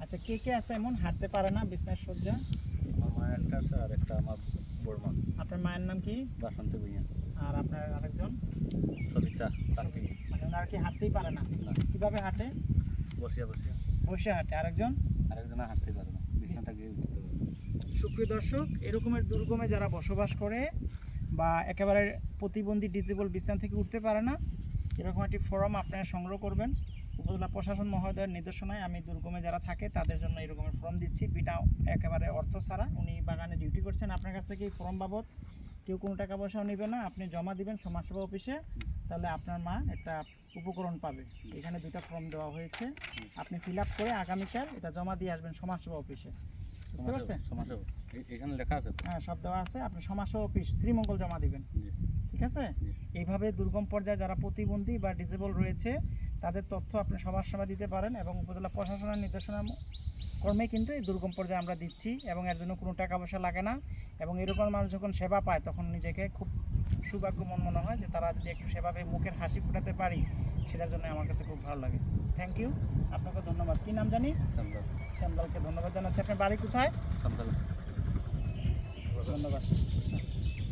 আচ্ছা, কে কে আছে এমন হাঁটতে পারে না, বিছনায় শয্যা? আমার মায়ের একটা আছে আর একটা আমার বড় মা। আপনার মায়ের নাম কি? বাসন্তী ভূঁইয়া। আর আপনার আরেকজন? সবিতা তান্ত্রিক। মানে ওনারা কি হাঁটতেই পারে না? না, কিভাবে হাঁটে? বসিয়া বসিয়া। বসে হাঁটে। আরেকজন? আরেকজনে হাঁটতে পারে না, বিছনাটা গিয়ে করতে পারে। সুপ্রিয় দর্শক, এরকমের দুর্গমে যারা বসবাস করে বা একেবারে প্রতিবন্ধী ডিজেবল বিছানা থেকে উঠতে পারে না, এরকম একটি ফর্ম আপনারা সংগ্রহ করবেন। উপজেলা প্রশাসন মহোদয়ের নির্দেশনায় আমি দুর্গমে যারা থাকে তাদের জন্য এরকমের ফর্ম দিচ্ছি, বিটা একেবারে অর্থ ছাড়া। উনি বাগানে ডিউটি করছেন, আপনার কাছ থেকে এই ফর্ম বাবদ কেউ কোনো টাকা পয়সাও নেবে না, আপনি জমা দিবেন সমাজসেবা অফিসে, তাহলে আপনার মা একটা উপকরণ পাবে। এখানে দুটো ফর্ম দেওয়া হয়েছে, আপনি ফিল আপ করে আগামীকাল এটা জমা দিয়ে আসবেন সমাজসেবা অফিসে। বুঝতে পারছেন? সমাজসেবা এখানে লেখা আছে তো? হ্যাঁ, সব দেওয়া আছে। আপনি সমাজসেবা অফিস শ্রীমঙ্গল জমা দিবেন। জি। ঠিক আছে? এইভাবে দুর্গম পর্যায়ে যারা প্রতিবন্ধী বা ডিসেবল রয়েছে তাদের তথ্য আপনি সমাজসেবা দিতে পারেন, এবং উপজেলা প্রশাসনের নির্দেশনা কর্মে কিন্তু এই দুর্গম পর্যায়ে আমরা দিচ্ছি, এবং এর জন্য কোনো টাকা পয়সা লাগে না। এবং এরকম মানুষ যখন সেবা পায় তখন নিজেকে খুব সৌভাগ্যমন মনে হয় যে তারা যদি একটু সেবা পেয়ে মুখের হাসি ফোটাতে পারি, সেটার জন্য আমার কাছে খুব ভালো লাগে। থ্যাংক ইউ, আপনাকে ধন্যবাদ। কী নাম জানি? শ্যামলাল। শ্যামলালকে ধন্যবাদ জানাচ্ছি। আপনার বাড়ি কোথায়? শ্যামলাল। ধন্যবাদ।